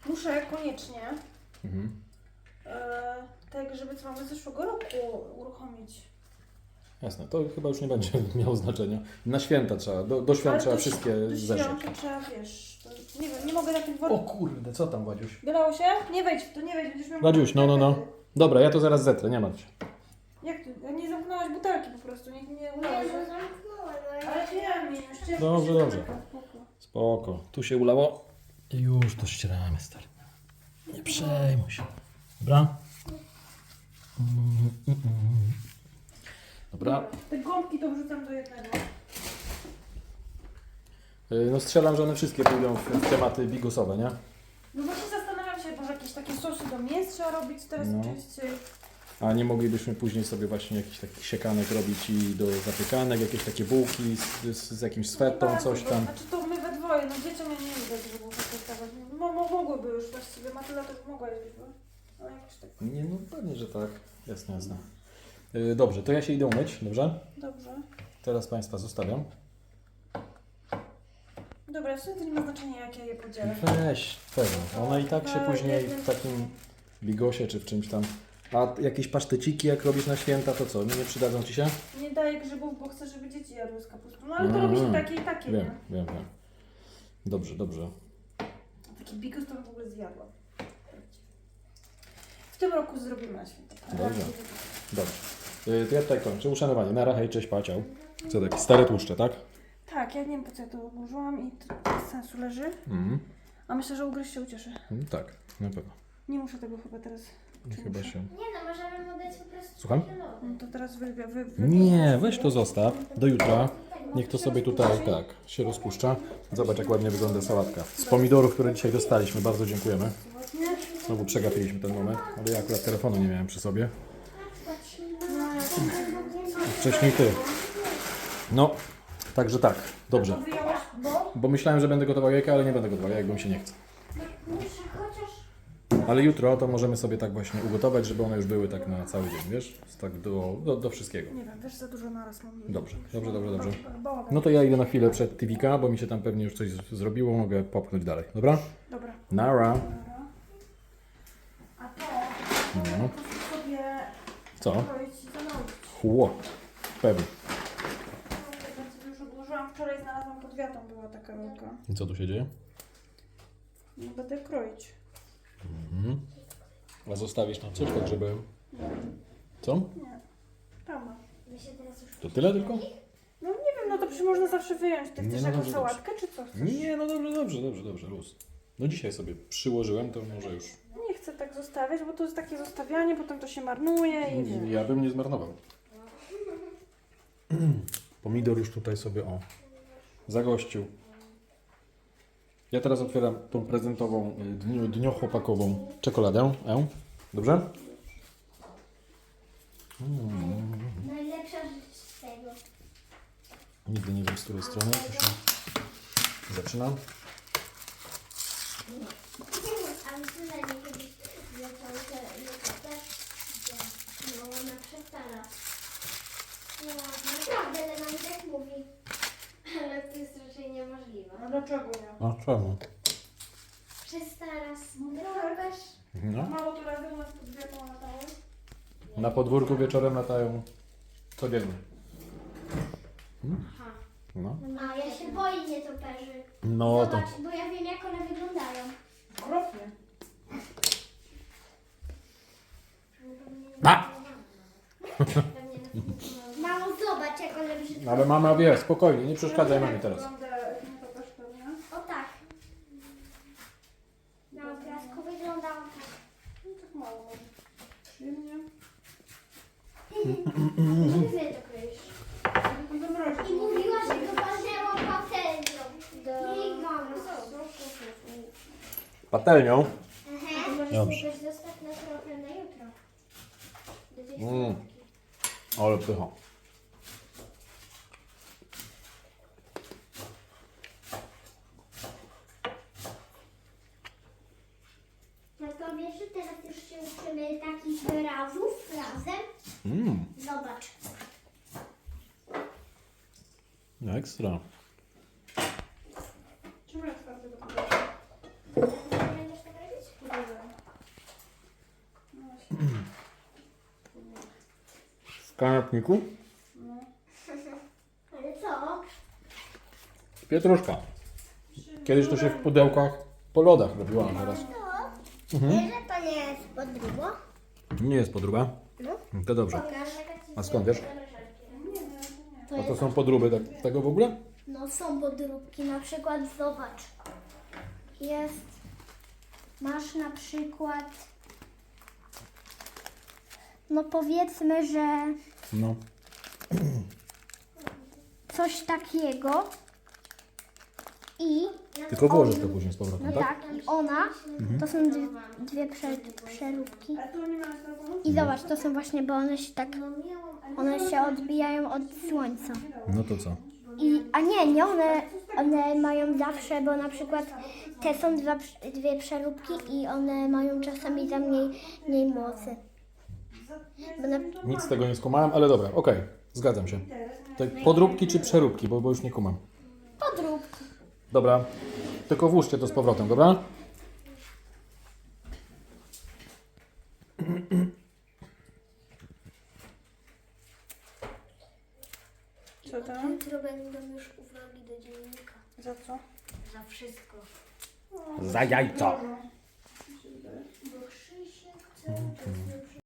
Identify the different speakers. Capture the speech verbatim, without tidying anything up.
Speaker 1: muszę koniecznie
Speaker 2: Mhm.
Speaker 1: e, tak, żeby co mamy z zeszłego roku uruchomić.
Speaker 2: Jasne, to chyba już nie będzie miało znaczenia. Na święta trzeba, do, do świąt
Speaker 1: Ale
Speaker 2: trzeba
Speaker 1: do,
Speaker 2: wszystkie
Speaker 1: do
Speaker 2: zerzeć.
Speaker 1: świąt to trzeba, wiesz, to, nie wiem, nie mogę na tych
Speaker 2: O
Speaker 1: workach.
Speaker 2: kurde, co tam, Wadziuś?
Speaker 1: Wylało się? Nie wejdź w to, nie wejdź, będziesz miał...
Speaker 2: Wadziuś, no, no, no. Dobra, ja to zaraz zetrę, nie martw się.
Speaker 1: Jak ty? Nie zamknęłaś butelki po prostu, nie, nie
Speaker 3: Nie,
Speaker 1: ulało
Speaker 3: no
Speaker 1: się.
Speaker 3: zamknąłem, ale...
Speaker 1: Ale wiem, nie, jeszcze...
Speaker 2: Dobrze, dobrze. Spoko, tu się ulało. I już to ścieramy, stary. Nie przejmuj się. Dobra? Mm, mm, mm. Dobra.
Speaker 1: Te gąbki to wrzucam do jednego.
Speaker 2: Y, No strzelam, że one wszystkie pójdą w, w tematy bigosowe, nie?
Speaker 1: No właśnie zastanawiam się, może jakieś takie sosy do mięs trzeba robić teraz
Speaker 2: No.
Speaker 1: częściej.
Speaker 2: A nie moglibyśmy później sobie właśnie jakiś taki siekanek robić i do zapykanek, jakieś takie bułki z, z, z jakimś swetą,
Speaker 1: Nie bardzo,
Speaker 2: coś
Speaker 1: bo-
Speaker 2: tam.
Speaker 1: Znaczy to my we dwoje, no dzieciom ja nie lubię grzybów wykorzystać. Mo, mo, mogłyby już właściwie, Matyla to by mogła jeść grzyby. Ale jakoś tak.
Speaker 2: Nie, no pewnie, że tak. Jasne, jasne. Y, Dobrze, to ja się idę umyć, dobrze?
Speaker 1: Dobrze.
Speaker 2: Teraz Państwa zostawiam.
Speaker 1: Dobra, w sumie to nie ma znaczenia jak ja je podzielę.
Speaker 2: Weź, pewnie. One i tak się później w takim bigosie czy w czymś tam. A jakieś paszteciki jak robisz na święta, to co? Nie przydadzą Ci się?
Speaker 1: Nie daję grzybów, bo chcę, żeby dzieci jadły z kapustą. No ale to
Speaker 2: Mhm.
Speaker 1: robi się takie i takie,
Speaker 2: Wiem,
Speaker 1: nie?
Speaker 2: wiem, wiem. Dobrze, dobrze.
Speaker 1: Taki bigos to bym w ogóle zjadła. W tym roku zrobimy na święta.
Speaker 2: Dobrze. Dobrze. Y, To ja tutaj kończę. Uszanowanie. Nara, hej, cześć, paciał. Co takie stare tłuszcze, tak?
Speaker 1: Tak, ja nie wiem po co ja to odłożyłam i to bez sensu leży.
Speaker 2: Mhm.
Speaker 1: A myślę, że ugryź się ucieszy.
Speaker 2: Mm, tak, na pewno.
Speaker 1: Nie muszę tego chyba teraz. Czy
Speaker 2: Chyba
Speaker 1: muszę?
Speaker 2: się...
Speaker 3: Nie no, możemy mu dać po prostu
Speaker 2: Słucham?
Speaker 3: takie lody.
Speaker 1: No to teraz wy, wy, wy,
Speaker 2: Nie, weź to zostaw do jutra. Niech to sobie tutaj, tak, się rozpuszcza. Zobacz, jak ładnie wygląda sałatka. Z pomidorów, które dzisiaj dostaliśmy. Bardzo dziękujemy. Znowu przegapiliśmy ten moment, ale ja akurat telefonu nie miałem przy sobie. Wcześniej ty. No, także tak, dobrze.
Speaker 1: Wyjąłeś, bo?
Speaker 2: Bo myślałem, że będę gotował jajka, ale nie będę gotował jajek, bo mi się nie chce.
Speaker 3: Muszę chociaż...
Speaker 2: Ale jutro to możemy sobie tak właśnie ugotować, żeby one już były tak na cały dzień, wiesz? Tak do, do, do wszystkiego.
Speaker 1: Nie wiem, wiesz, za dużo naraz mam.
Speaker 2: Dobrze, dobrze, dobrze, dobrze.
Speaker 1: Bałagan.
Speaker 2: No to ja idę na chwilę przed T V K, bo mi się tam pewnie już coś z- zrobiło, mogę popchnąć dalej, dobra?
Speaker 1: Dobra.
Speaker 2: Nara.
Speaker 1: Dobra. A to
Speaker 2: No.
Speaker 1: po prostu sobie
Speaker 2: Co?
Speaker 1: kroić i zanosić.
Speaker 2: Chło. Pewnie.
Speaker 1: Ja sobie już odłożyłam. Wczoraj znalazłam pod wiatą, była taka rolka.
Speaker 2: I co tu się dzieje?
Speaker 1: No będę kroić.
Speaker 2: Mhm. A zostawisz tam coś tak, żeby... Co?
Speaker 1: Nie. Tam ma.
Speaker 3: My się teraz już...
Speaker 2: To tyle tylko?
Speaker 1: No nie wiem, no to przecież można zawsze wyjąć. Ty
Speaker 2: Nie,
Speaker 1: chcesz
Speaker 2: no
Speaker 1: jakąś
Speaker 2: dobrze,
Speaker 1: sałatkę, czy co chcesz?
Speaker 2: Nie, no dobrze, dobrze, dobrze, dobrze, luz. No dzisiaj sobie przyłożyłem, to może już...
Speaker 1: Nie chcę tak zostawiać, bo to jest takie zostawianie, potem to się marnuje i wiesz.
Speaker 2: Ja bym nie zmarnował. Pomidor już tutaj sobie, o, zagościł. Ja teraz otwieram tą prezentową, y, dnio, dniochłopakową czekoladę. E? Dobrze?
Speaker 3: Najlepsza rzecz z tego.
Speaker 2: Nigdy nie wiem, z której strony to się zaczyna.
Speaker 3: A myślę, że kiedyś zaczęły się lokatać, no ona przestara. No naprawdę, ale nam tak mówi. Ale to jest raczej niemożliwe.
Speaker 1: No dlaczego nie?
Speaker 2: A czemu?
Speaker 3: Przestara skrobasz.
Speaker 2: No.
Speaker 1: Mało to razy u nas pod wiatą latało.
Speaker 2: Na podwórku wieczorem latają codziennie.
Speaker 3: Aha.
Speaker 2: No.
Speaker 3: A ja się boję nietoperzy.
Speaker 2: No to...
Speaker 3: Zobacz, bo ja wiem jak one wyglądają.
Speaker 1: Okropnie.
Speaker 2: A!
Speaker 3: Mamo, zobacz jak one brzydko.
Speaker 2: Ale mama wie, spokojnie, nie przeszkadzaj mamie teraz.
Speaker 1: Wygląda nietoperz pewnie.
Speaker 3: O tak. Na obrazku wyglądało tak.
Speaker 1: No tak mało może. Przyjemnie.
Speaker 3: Ty to kryjesz.
Speaker 1: To zamrozić.
Speaker 3: I mówiła, że go walnęło patelnią. Jej mamo.
Speaker 2: Patelnią?
Speaker 3: Aha. Możesz
Speaker 2: Dobrze.
Speaker 3: sobie też zostać na trochę na jutro. Do tej
Speaker 2: Mm.
Speaker 3: sałatki.
Speaker 2: Ale pycha.
Speaker 3: No to wiesz, że teraz już się uczymy takich wyrazów razem.
Speaker 2: Mmm,
Speaker 3: Zobacz.
Speaker 2: ekstra.
Speaker 1: Czemu ja twardy do tego?
Speaker 3: Będziesz tak robić?
Speaker 2: kanapniku.
Speaker 3: Ale co?
Speaker 2: Pietruszka. Kiedyś to się w pudełkach po lodach robiła, a teraz
Speaker 3: To? Wiesz, że to nie jest podróbło?
Speaker 2: nie jest podróba.
Speaker 3: No.
Speaker 2: To dobrze.
Speaker 3: Pokaż.
Speaker 2: A skąd wiesz?
Speaker 3: To
Speaker 2: A
Speaker 3: jest,
Speaker 2: to są podróby tak, tego w ogóle?
Speaker 3: no są podróbki, na przykład zobacz. Jest, masz na przykład, no powiedzmy, że
Speaker 2: No.
Speaker 3: coś takiego i
Speaker 2: Tylko włożysz to później z powrotem,
Speaker 3: no
Speaker 2: tak?
Speaker 3: tak, i ona, to są dwie, dwie prze, przeróbki.
Speaker 1: A tu nie ma telefonu?
Speaker 3: I zobacz, to są właśnie, bo one się tak, one się odbijają od słońca.
Speaker 2: No to co?
Speaker 3: I, a nie, nie, one, one mają zawsze, bo na przykład te są dwa, dwie przeróbki i one mają czasami za mniej, mniej mocy. Bo na,
Speaker 2: Nic z tego nie skumałem, ale dobra, okej, zgadzam się. To podróbki czy przeróbki, bo, bo już nie kumam.
Speaker 3: podróbki.
Speaker 2: Dobra, tylko włóżcie to z powrotem, dobra?
Speaker 1: Co tam?
Speaker 3: Jutro będą już uwagi do dziennika.
Speaker 1: Za co?
Speaker 3: Za wszystko.
Speaker 2: Za jajco.
Speaker 3: Bo Krzysiek chce